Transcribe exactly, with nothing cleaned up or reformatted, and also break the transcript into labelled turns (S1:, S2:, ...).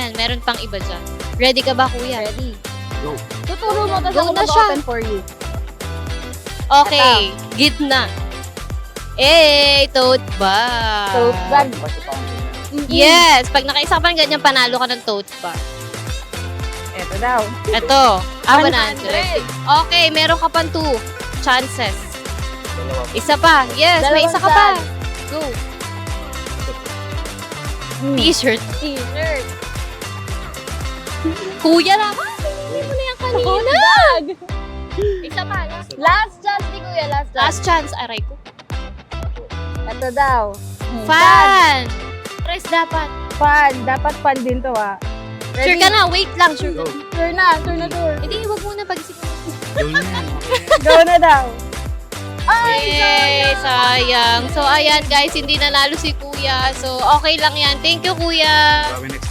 S1: yan. Meron pang iba dyan. Ready ka ba, kuya?
S2: Ready.
S3: Go.
S2: Tuturo mo, tapos
S1: Go
S2: ako
S1: na siya.
S2: mag-open for you.
S1: Okay. Gitna. Eh, tote bag.
S2: Tote bag.
S3: Basta pa ang ganyan.
S2: Mm-mm.
S1: Yes. Pag nakaisa pa ng ganyan, panalo ka ng tote bag.
S2: Ito daw.
S1: Ito. Ah,
S2: one
S1: one hundred. Okay, meron ka pang two chances.
S3: Dalawa.
S1: Isa pa. Yes, may
S2: Dalawang
S1: isa ka pa.
S2: saan?
S1: Go.
S2: Mm.
S1: T-shirt.
S2: T-shirt.
S1: Kuya naman. Hindi mo na yan kanina.
S2: Tote bag.
S1: Isa pa. Last,
S2: Last chance ni Kuya, last chance.
S1: last chance. Aray ko.
S2: Ito daw.
S1: Fan. Press dapat.
S2: Fan. Dapat fan din to, ah.
S1: Sure ka na. Wait lang. Sure ka
S3: Go.
S1: na.
S2: Sure na, sure na, sure.
S1: Hindi, wag muna pag-isipan.
S3: Go na yan.
S2: Go na daw. Ay,
S1: Yay, sayang. So, ayan guys, hindi nanalo si Kuya. So, okay lang yan. Thank you, Kuya.
S3: Grabe, next